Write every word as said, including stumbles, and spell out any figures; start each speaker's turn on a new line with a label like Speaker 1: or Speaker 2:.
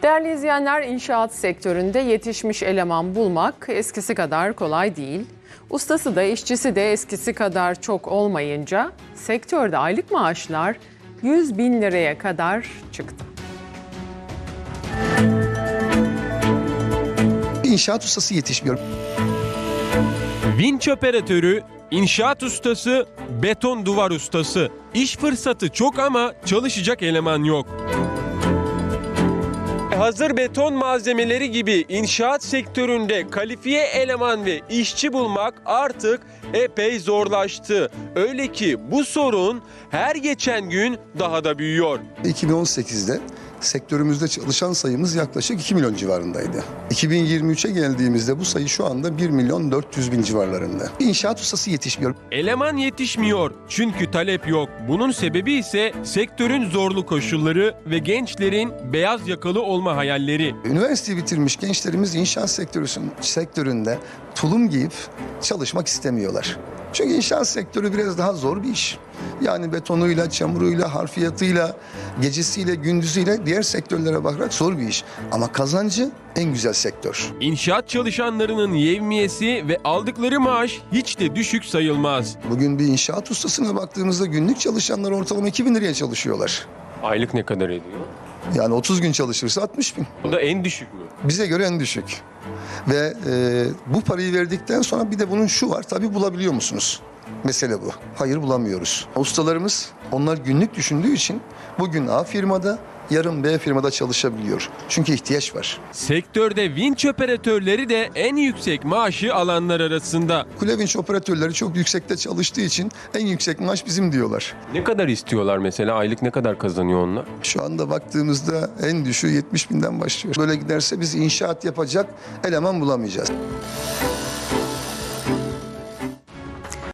Speaker 1: Değerli izleyenler, inşaat sektöründe yetişmiş eleman bulmak eskisi kadar kolay değil. Ustası da işçisi de eskisi kadar çok olmayınca sektörde aylık maaşlar yüz bin liraya kadar çıktı.
Speaker 2: İnşaat ustası yetişmiyor.
Speaker 3: Vinç operatörü, inşaat ustası, beton duvar ustası. İş fırsatı çok ama çalışacak eleman yok. Hazır beton malzemeleri gibi inşaat sektöründe kalifiye eleman ve işçi bulmak artık epey zorlaştı. Öyle ki bu sorun her geçen gün daha da büyüyor.
Speaker 2: iki bin on sekizde sektörümüzde çalışan sayımız yaklaşık iki milyon civarındaydı. iki bin yirmi üçe geldiğimizde bu sayı şu anda bir milyon dört yüz bin civarlarında. İnşaat ustası yetişmiyor.
Speaker 3: Eleman yetişmiyor çünkü talep yok. Bunun sebebi ise sektörün zorlu koşulları ve gençlerin beyaz yakalı olma hayalleri.
Speaker 2: Üniversite bitirmiş gençlerimiz inşaat sektörü, sektöründe tulum giyip çalışmak istemiyorlar. Çünkü inşaat sektörü biraz daha zor bir iş. Yani betonuyla, çamuruyla, harfiyatıyla, gecesiyle, gündüzüyle diğer sektörlere bakarak zor bir iş. Ama kazancı en güzel sektör.
Speaker 3: İnşaat çalışanlarının yevmiyesi ve aldıkları maaş hiç de düşük sayılmaz.
Speaker 2: Bugün bir inşaat ustasına baktığımızda günlük çalışanlar ortalama iki bin liraya çalışıyorlar.
Speaker 3: Aylık ne kadar ediyor?
Speaker 2: Yani otuz gün çalışırsa altmış bin.
Speaker 3: Bu da en düşük mü?
Speaker 2: Bize göre en düşük. Ve e, bu parayı verdikten sonra bir de bunun şu var, tabii bulabiliyor musunuz? Mesele bu. Hayır, bulamıyoruz. Ustalarımız, onlar günlük düşündüğü için bugün A firmada, yarın B firmada çalışabiliyor. Çünkü ihtiyaç var.
Speaker 3: Sektörde vinç operatörleri de en yüksek maaşı alanlar arasında.
Speaker 2: Kule vinç operatörleri çok yüksekte çalıştığı için en yüksek maaş bizim diyorlar.
Speaker 3: Ne kadar istiyorlar mesela? Aylık ne kadar kazanıyor onlar?
Speaker 2: Şu anda baktığımızda en düşüğü yetmiş binden başlıyor. Böyle giderse biz inşaat yapacak eleman bulamayacağız.